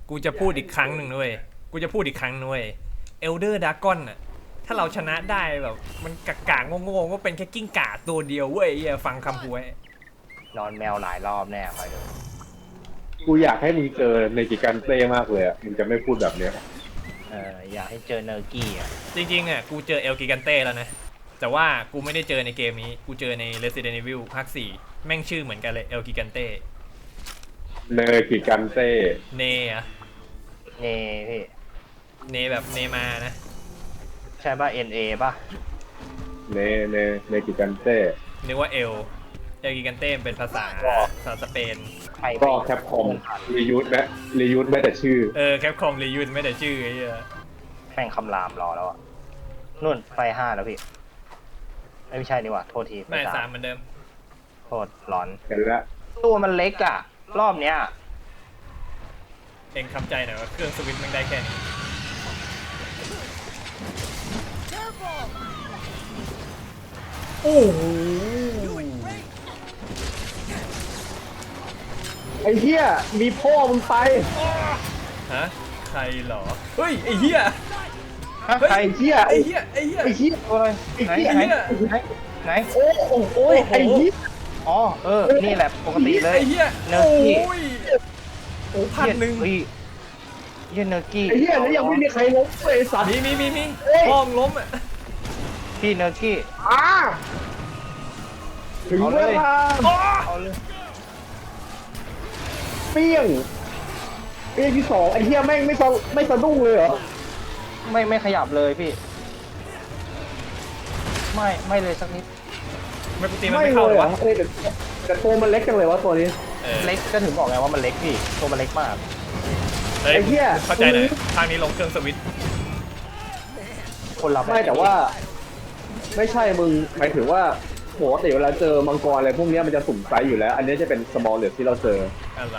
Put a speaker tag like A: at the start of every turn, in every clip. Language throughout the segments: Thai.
A: กูจะพูดอีกครั้งหนึ่งด้วยกูจะพูดอีกครั้งด้วยเอลเดอร์ดากอนน่ะถ้าเราชนะได้แบบมันกากาโง่ๆก็เป็นแค่กิ้งก่าตัวเดียวเว้ยอย่าฟังคำกูไว้
B: นอนแมวหลายรอบแน่คอยดู
C: กูอยากให้มึงเจอในกิกันเต้มากเลยอ่ะมึงจะไม่พูดแบบเนี้ย
B: อยากให้เจอเนอร์กี้อ่ะ
A: จริงๆอ่ะกูเจอเอลกิกันเต้แล้วนะแต่ว่ากูไม่ได้เจอในเกมนี้กูเจอใน Resident Evil ภาค 4แม่งชื่อเหมือนกันเลยเอลกิกันเต้
C: เนอกิกันเต้
A: เนอะ
B: เนพี่
A: เนแบบเนมานะ
B: ใช่ป่ะ NA ป่ะ
C: เนเนกิกันเต้
A: นึกว่าเอลกิกันเต้เป็นภาษาสเปน
C: ก็แคปคอมรียูสแม้รียูสแม้แต่ชื่อ
A: แคปคอมรียูนไม่แต่ชื่อไอ้เหี้ย
B: แม่งคำรามรอแล้วอ่ะนู่นไฟ5แล้วพี่ไม่ใช่นี่หว่าโทษที
A: ไม่3เหมือนเดิม
B: โทษร้อน
C: กันละ
B: ตัวมันเล็กอ่ะรอบเนี้ย
A: เองคำใจหน่อยว่าเครื่องสวิตช์มันได้แค่นี้โอ้โห
C: ไอ้เหี้ยมีพ่อมึงไป
A: ฮะใครเหรอเฮ้ยไอ้เหี้ย
C: ไอ้เหี้ย
A: ไอ้เหี้ยไอ้เหี้ย
B: ไอ้เหี้ยอะไรไหนไหน
C: โอ้โหไอ้เหี้ย
B: อ๋อนี่แหละปกติเลย
A: ไอ้เหี้ย
B: เนอร์กี้
A: โอ้1,000
B: เหี้ยเนอร์กี้
C: ไอ้เหี้ยแล้วยังไม่มีใครล้มเลยสัตว์
A: มีห้องล้มอ่ะ
B: พี่เนอร์กี้
C: ถึงเวลา
B: เอาเลย
C: เปี้ยงที่สองไอ้เหี้ยแม่งไม่สะดุ้งเลยเหรอ
B: ไม่ขยับเลยพี่ไม่เลยสักนิด
A: ไม่กูตีมันไม่เข้าเลยวะ
C: แต่ตัวมันเล็กจังเลยวะตัวนี้
B: เล็กก็ถึงบอกไงว่ามันเล็กพี่ตัวมันเล็กมาก
C: ไอ้เหี้ย
A: เข้าใจหน่อยทางนี้ลงเครื่องสวิตช์
B: คนละ
C: ไม่แต่ว่าไม่ใช่มึงหมายถึงว่าปกติเวลาเจอมังกรอะไรพวกนี้มันจะสุ่มไซส์อยู่แล้วอันนี้จะเป็น small เหลือที่เราเจอ
A: อะไร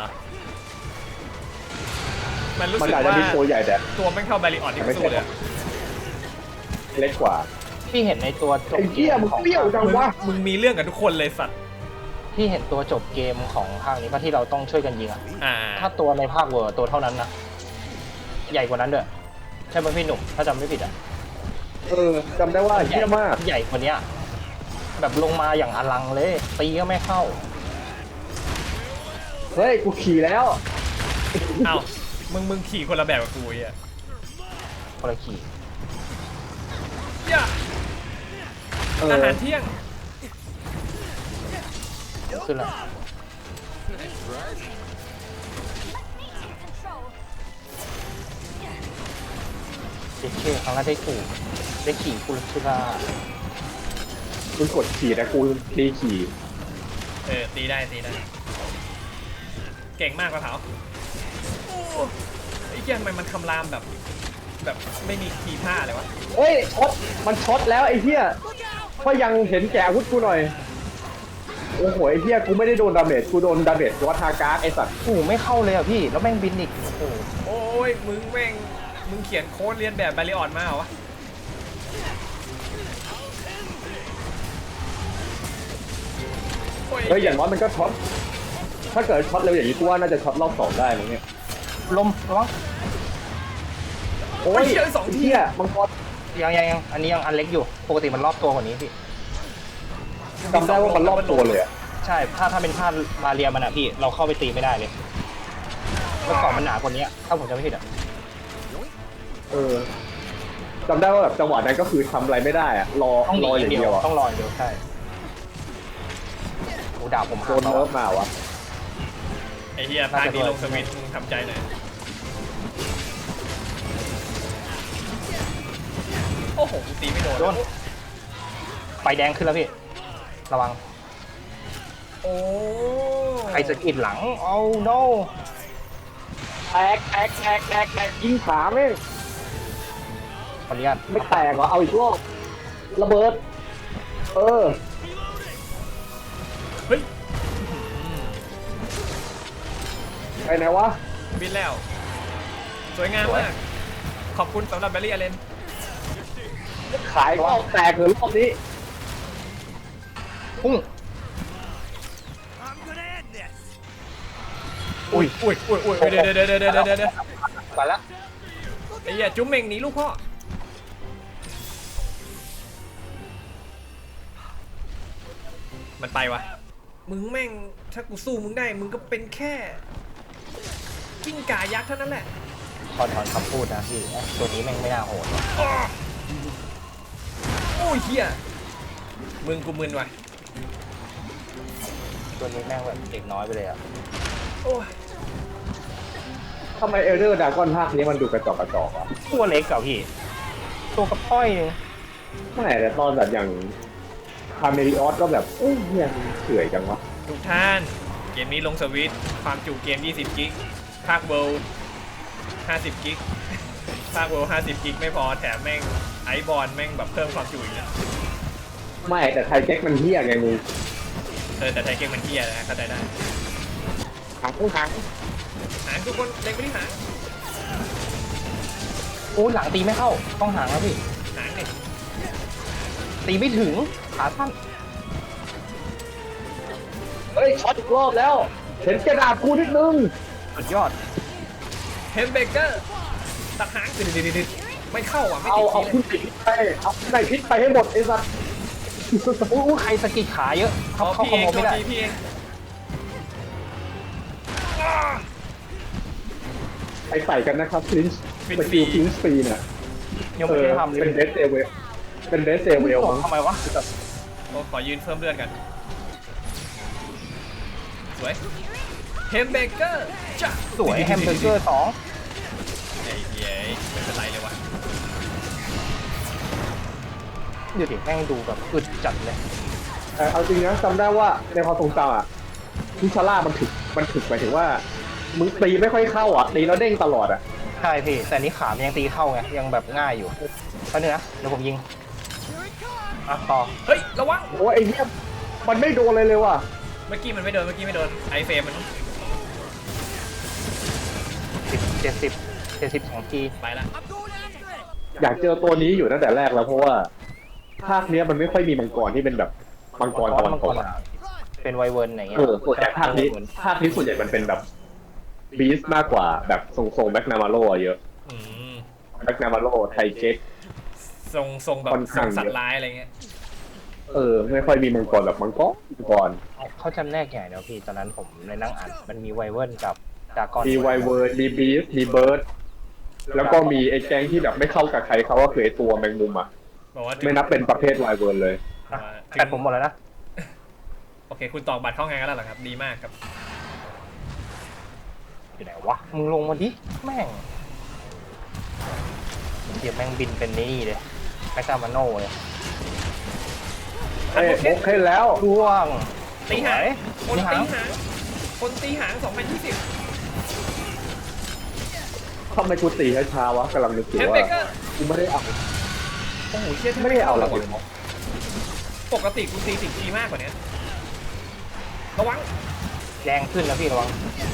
A: มันรู้
C: สึ
A: กว่า
C: ตัวใหญ่แต่
A: ตัวไม่เข้าแบริออนที่สู้เลย
C: เล็กกว่า
B: พี่เห็นในตัวจบ
C: เกมมึงเปรี้ยวจังวะ
A: มึงมีเรื่องกับทุกคนเลยสัตว์
B: พี่เห็นตัวจบเกมของภาคนี้ป่ะที่เราต้องช่วยกันยิงอ่ะถ้าตัวในภาคเวอร์ตัวเท่านั้นนะใหญ่กว่านั้นด้วยใช่ไหมพี่หนุ่มถ้าจำไม่ผิดอ่ะ
C: จำได้ว่าเยอะมาก
B: ใหญ่กว่านี้แบบลงมาอย่างอลังเลยตีก็ไม่เข้า
C: เฮ้ยกูขี่แล้ว
A: เอ้ามึงขี่คนละแบบกับกูอ่ะ
B: คนละขี่
A: อาหารเที่ยง
B: ขึ้นแล้วเด็กเช่ครั้งแรกได้ขี่กุลชิรา
C: มึงกดขี่นะกูตีขี่
A: ตีได้เก่งมากกระเถาไอ้เหี้ยทำไมมันคำรามแบบไม่มีทีท่าเลยวะ
C: เฮ้ยมันช็อตแล้วไอ้เหี้ยก็ยังเห็นแก่อาวุธกูหน่อยโอ้โหไอ้เหี้ยกูไม่ได้โดนดาเมจกูโดนดาเมจวัฒาการ์ไอ้สัตว์
B: ไม่เข้าเลยอ่ะพี่แล้วแม่งบินอีก
A: โอ้ยมึงเขียนโค้ดเรียนแบบแบริออนมาเหรอวะ
C: เฮ้ยอย่างน้อยมันก็ช็อตถ้าเกิดช็อตเร็วอย่างนี้กูว่าน่าจะช็อตรอบ2ได้เลยเนี่ย
B: ลมร้อง
A: โอ้ย2 ที
C: อ่ะมังกร
B: ยังอันนี้ยังอันเล็กอยู่ปกติมันรอบตัวกว่านี้พี่
C: จำได้ว่ามันรอบตัวเลยอ่ะ
B: ใช่ถ้าเป็นผ้าบาเรียมันอ่ะพี่เราเข้าไปตีไม่ได้เลยเมื่อก่อนมันหนากว่านี้ถ้าผมจำไม่ผิดอ่ะ
C: จำได้ว่าแบบจังหวะนั้นก็คือทำอะไรไม่ได้อ่ะรออย่างเดียว
B: ต้องรออย่างเดียวใช่โอ้ดาบผม
C: โดนเนิร์ฟมาวะ
A: ไอ้เหี้ยพาดีลงสวิตช์มึงทำใจหน่อยโอ้โหตีไม่โดน
B: ไฟแดงขึ้นแล้วพี่ระวัง
A: โอ้
B: ใครจะกิดหลังเอา no
C: แตกยิงขาไม่
B: ขออนุญาต
C: ไม่แตกเหรอเอาอีกรอบระเบิดเ
A: ฮ้ย
C: ไปไหนวะ
A: บินแล้วสวยงามมากขอบคุณสำหรับแบรี่อเลน
C: ขายก็แตกเลยรอบนี้
B: พุ่ง
C: โอ้
A: อุ้ยเดี๋ยว
B: ไปละ
A: ไอ้เหี้ยจุ๊มเม่งหนีลูกพ่อมันไปวะมึงแม่งถ้ากูสู้มึงได้มึงก็เป็นแค่กิ้งก่ายักษ์เท่านั้นแหละ
B: ถอนคำพูดนะพี่ตัวนี้แม่งไม่น่าโหด
A: โอ้ยเฮียมึงกูมึนว่ะ
B: ตัวนี้แม่งแบบเด็กน้อยไปเลยอ่ะ
A: โอ้ย
C: ทำไมเอลเดอร์ดากอนภาคนี้มันดูกระจอกอ่ะ
B: ตัวเล็กกับพี่ ตัวกระป้อยนึง
C: ไม่แต่ตอนแบบอย่างคาเมริออสก็แบบเอ้ยเฮียเฉื่อยจังวะ
A: ทุกท่านเกมนี้ลงสวิตช์ความจุเกม20 กิกภาคเวิลด์50 กิกภาคเวิลด์50 กิกไม่พอแถมแม่งไอบอลแม่งแบบเพิ่มความจุอีกนะ
C: ไม่แต่ไทเก๊กมันเฮียไงมึง
A: แต่ไทยเกมมันเฮียนะเข้าใจได้
C: หาง
A: หางทุกคนเล็งไปที่หาง
B: โอ้หลังตีไม่เข้าต้องหางแล้วพี่
A: หางเนี่ย
B: ตีไม่ถึงขาสั้น
C: เฮ้ยช็อตอีกรอบแล้ว เห็นกระดาษกูนิดนึง
B: สุดยอด
A: เฮมเบเกอร์ตัดหางดิดไม่เข้าอ่ะไม่
C: เอา
A: ติด
C: เอา
A: ที
C: ขึ้นไปเอาไก่พิษไปให้หมดไอ้สัส
B: อู้ใครสะกิดขาเยอะ
A: อ๋อ
B: เข้า
A: พี่
B: ข
A: เอง
B: โมยไม่ได้
A: พี่เอง
C: ไปใส่กันนะครับคลินช์สกิลคลินช์ฟรีเนี่ย
B: ยังไม่ได้ทำเลย
C: เป็นเดสเซเวลเป็นเดสเซเวลมั้ง
B: ทำไมวะ
A: โอ้ขอยืนเพิ่มเลือดกันสวยเฮมเบเกอร์จ้ะ
B: สวยแฮมเบอร์เกอร์2
A: ไอ้เหี้ยไม่เป็นไรเลยวะ
B: ดูดิแม่งดูแบบอึดจัดเลย
C: เอาจริงนะจำได้ว่าในความทรงจำอ่ะทิชาร่ามันถึกหมายถึงว่ามึงตีไม่ค่อยเข้าอ่ะตีแล้วเด้งตลอดอ่ะ
B: ใช่พี่ แต่นี้ขามันยังตีเข้าไง ยังแบบง่ายอยู่แป๊บนึงนะ เดี๋ยวผมยิง อ่ะต่อ
A: เฮ้ยระวัง
C: โอ้ยไอ้เหี้ยมันไม่โดนเลยว่ะ
A: เมื่อกี้มันไม่โดนไอเฟรมมัน
B: 70 2 ที
A: ไปละ
C: อยากเจอตัวนี้อยู่ตั้งแต่แรกแล้วเพราะว่าภาคเนี้ยมันไม่ค่อยมีมังกรที่เป็นแบบมังกรตะวันตกอะ
B: เป็นไวเวิร์นอะไรเงี้ย
C: ส่วนใหญ่ภาคนี้ส่วนใหญ่มันเป็นแบบบีสมากกว่าแบบทรงแบ็กนามาโลเยอะ
A: อืม
C: แบ็กนามาโลไทเก๊ก
A: ทรงแบบ
C: ค่อน
A: ทร
C: ข้าง
A: ง
C: เยอะ
A: สัตว์ร้ายอะไรเงี้ย
C: ไม่ค่อยมีมังกรแบบมังกร
B: เขาจำแนกอย่างเดียวพี่ ตอนนั้นผมในนั่งอ่านมันมีไวเวิร์นกับดากอน
C: มีไวเวิร์ดมีบีสมีเบิร์ดแล้วก็มีไอ้แก๊งที่แบบไม่เข้ากับใครเขาก็คือไอ้ตัวแมงมุมอ่ะ
A: บอกว่า
C: ไม่นับเป็นประเภทไวเวิร์ดเลย
B: แต่ผมหมดแล้วนะ
A: โอเคคุณตอกบัตรเข้างานกันแล้วเหรอครับดีมากครับ
B: อยู่ไหนวะ มึงลงมาดิ แม่งเดี๋ยวแม่งบินเป็นนี่เลยแม็กซ์มาโน่เลย
C: โอเคแล้ว
B: ร่วง
A: ตีหางคน
B: ตีหา
A: ตี
B: ง
A: หางคนตีหาง2020
C: ทำไมกูตีช้าๆวะกำลังนึกอยู่
A: เฮม
C: ว่า
A: เบเกอร์
C: กูไม่ได้เอา
A: โอ้โหเชี่ย
C: ไม่ได้เอาหรอก
A: ปกติกูตี10 ทีมากกว่านี้ระวัง
B: แรงขึ้นนะพี่ระวัง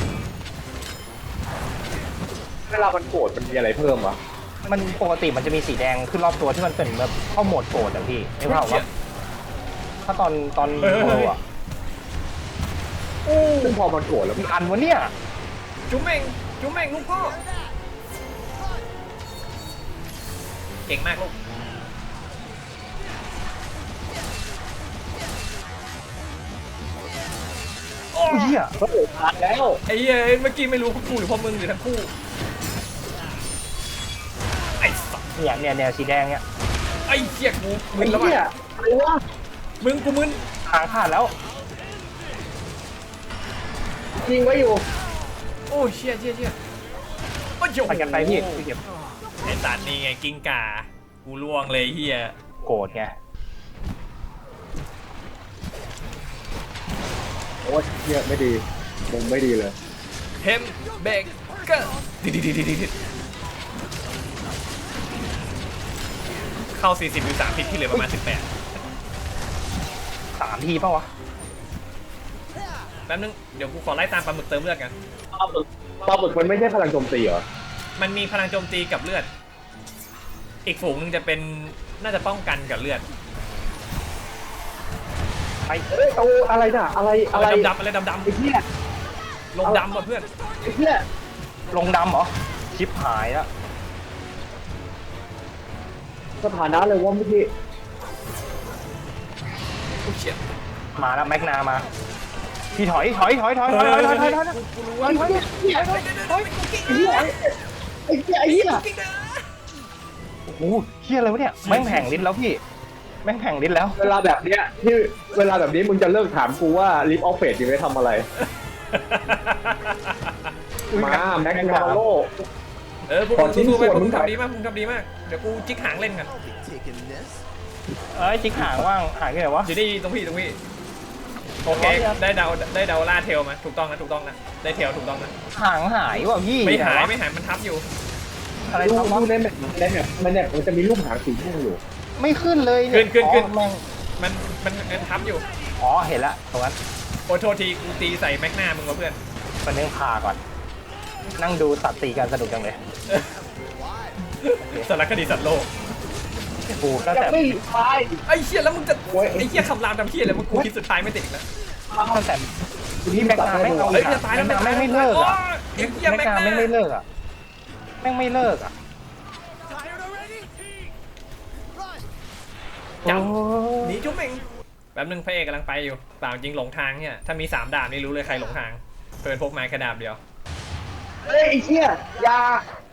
C: เวลามันโกรธมันมีอะไรเพิ่มวะ
B: มันปกติมันจะมีสีแดงขึ้นรอบตัวที่มันเป็นแบบเข้าโหมดโกรธอะพี่ไม่ว่าว่าถ้าตอนโกรธอะ
C: ซึ่งพอมันโกรธแล้ว
B: มีอันวะเนี่ย
A: จุ๊มเม่งลูกพ่อเก่งมากลูก
B: โอ้ยเหี้ย
C: ก็โกรธขาดแล้ว
A: ไอ้เหี้ยเมื่อกี้ไม่รู้พวกกูหรือพวกมึงหรือทั้งคู่ไอ้สัส
B: เนี่ยสีแดงเนี่ย
A: ไอ้เหี้ยกูมึ
C: ไอ้
A: นแล้ว
C: เหี้ย
A: ว่ะ
C: อะไรวะ
A: มึงกูมึน
B: หางขาดแล้ว
C: ยิงไว้อยู่
A: โอ้เชี่ยโอ้ยโ
B: ไปกันไปพี่เก็บ
A: ไอ้ตัดนี่ไงกิ้งก่ากูล่วงเลยเหี้ย
B: โกรธไง
C: โอ้ยเหี้ยไม่ดีมุมไม่ดีเลย
A: เฮมเบเกอร์ดิเข้า40อยู่3ผิดที่เหลือประมาณ18
B: 3 ทีป่าวะ
A: แป๊บนึงเดี๋ยวกูขอไล่ตามปลาหมึกเติมเลือดกัน
C: ปลาหมึกมันไม่ใช่พลังโจมตีเหรอ
A: มันมีพลังโจมตีกับเลือด อีกฝูงหนึงจะเป็นน่าจะป้องกันกับเลือด
B: ไป
C: เอ้ยโอ้อะไรน่ะอะไร
A: อะไรดำๆอะไรดำ
C: ไอ้เหี้ย
A: ลงดำอ่ะเพื่อน
C: ไอ้เหี้ย
B: ลงดำเหรอ ชิปหายแล้ว
C: สถานะเลยว่าเมื่อกี้
A: กูเฉียด
B: มาแล้วแม็กนามาพี่ถอยไอ้เหี้ยไอ้เหี้ยโอ้โหเหี้ยอะไรวะเนี่ยแม่งแผงลิ้นแล้วพี่แม่งแผงลิ้นแล้ว
C: เวลาแบบเนี้ยที่เวลาแบบนี้มึงจะเลิกถามกูว่าลิฟออฟเฟสยังไม่ทำอะไร มาแม็กนาโล
A: พวก
C: ขอ
A: มึง
C: ชิ้น
A: สู้ๆไป
C: ส่วน
A: พวกมึง
C: มึงหน่อย
A: ทำดีมากมึงทำดีมากเดี๋ยวกูจิกหางเล่นกัน
B: เอ้ยจิกหางว่างหายไปไหนวะ
A: อยู่นี่ตรงพี่โอเคได้เดาล่าเทลมาถูกต้องนะได้เทลถูกต้องนะ
B: หางหายว่ะพี่
A: ไม่หายมันทับอยู่
B: อะไร
C: ดู
B: ทำวะ
C: ในแมปมันจะมีรูปหางสีม่วงอยู่
B: ไม่ขึ้นเลยเนี่ย
A: ขึ้น
B: อ๋อแม่ง
A: มันทับอยู่
B: อ๋อเห็นละตรงนั้น
A: โอ้โทษทีกูตีใส่แม็กนามึงวะเพื่อน
B: มันนึ่งพาก่อน นั่งดูสัตว์ตีกันสนุกจังเลย
A: สารคดีสัตว์โลก
B: กูก็
C: จะ
B: แต่
C: ไม่ตาย
A: ไอ้เชี่ยแล้วมึงจะ
C: โอ้ย
A: ไอ้เชี่ยคำรามทำเชี่ยอะไรมึงกูคิดสุดท้ายไม่ติดอีกแล้ว
B: ตั้งแต่พี่แม็กนาไม่เอา
A: เฮ้ยจะตายแล้ว
B: แม็กนาไม่เลิกอ่ะ
A: ไอ้เชี่ย
B: แม็
A: แม็
B: ก
A: ก
B: นา
A: นา
B: ไม่เลิกอ่ะแม่งไม่เลิกอ่ะ
A: จับ
B: โอ้
A: หนีจุ๊บเองแป๊บนึงพระเอกกำลังไปอยู่เปล่าจริงหลงทางเนี่ยถ้ามี3ดาบนี่รู้เลยใครหลงทางเพิ่นพกไม้แค่ดาบเดียว
C: เฮ้ยไอ้เหี้ยยา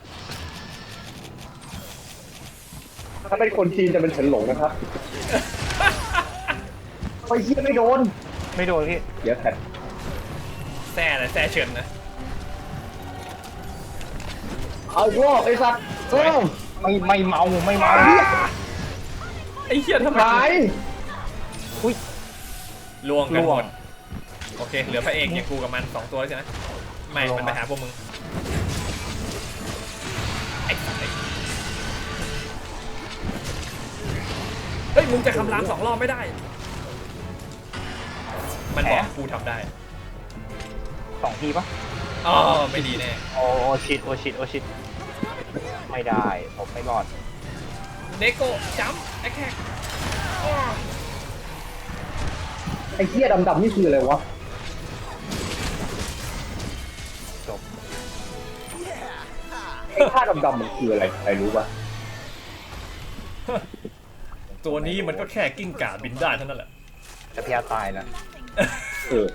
C: ถ้าเป็นคนจีนจะเป็นเฉินหลงนะครับไอ้เหี้ยไม่โดน
B: ไม่โดนพี่
C: เดี๋ยวแผด
A: แซ่อะไรแซ่เฉินนะ
C: เอาอีกรอบไอ้สัตว์เออ
B: ไม่เมาไม่เมา
A: ไอ้เชี่ยทำไม
C: หาย
B: อุ้ย
A: ล่วงกันห
B: ล่
A: ม
B: วง
A: ดโอเคเหลือพระเอกอย่างกูกับมัน2ตัวแล้วใช่ไหมไม่
B: ลง
A: มัน
B: มา
A: ไปหาพวกมึงไอ้สัตว์เฮ้ยมึงจะคำราม2 รอบไม่ได้ มันบอกกูทำได้
B: 2 ทีปะ
A: อ๋อไม่ดีแน่
B: โอ้ชิดโอชิดไม่ได้ผมไม่รอด
A: เนโกจัมป์แอคแท็ก
C: ไอ้เหี้ยดำๆนี่คืออะไรวะ
B: จบ
C: ไอ้ท่าดำๆมันคืออะไรใครรู้ปะ
A: ตัวนี้มันก็แค่กิ้งก่าบินได้เท่านั้นแหละ
B: แต่พี่อาตายนะ
C: เออ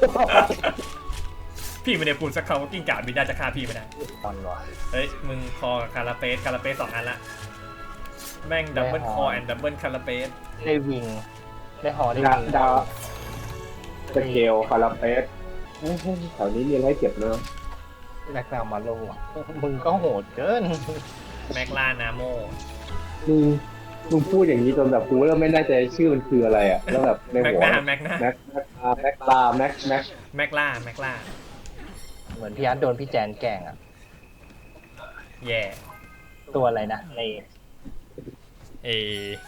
A: พี่ไม่ได้พูดสักคำว่ากิ้งก่าบินได้จะฆ่าพี่ไม่ได้
B: ตอนวะ
A: เฮ้ยมึงคอคาราเปส2 อันละแม่งดับเบิลคอแอนด์ดับเบิลคาราเปส
B: ได้วิงได้หอได้
C: ดา
B: วิง
C: ดาสเกลคาราเปสแถวนี้มีอะไรให้เก็บเนอะ
B: แม็กนามาโลอ่ะมึงก็โหดเกิน
A: แม็กลานาโม
C: มึงพูดอย่างนี้จนแบบกูเริ่มไม่แน่ใจชื่อมันคืออะไรอ่ะแล้วแบบใน
A: แม็ก
C: หัว
A: นาแม็กนา
C: แม็กลาแม็ก
A: แม็กลา
B: เหมือนพี่อาร์ตโดนพี่แจนแกล้งอ่ะ
A: แย่
B: ตัวอะไรนะใน
A: เอ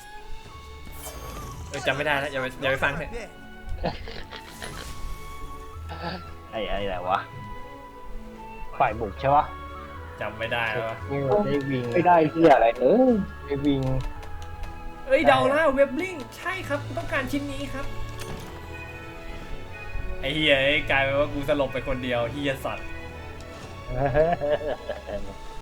A: จำไม่ได้แล้วอย่าไปฟังเถอะ
B: ไอ้อะไรวะฝ่ายบุกใช่ปะ
A: จำไม่ได้แล้ววะ
B: ได้วิง
C: ไม่ได้ที่อะไร
B: ได้วิง
A: เอ้ยเดาแล้วเว็บลิงใช่ครับกูต้องการชิ้นนี้ครับไอ้เฮียกลายเป็นว่ากูสลบไปคนเดียวเฮียสัตว์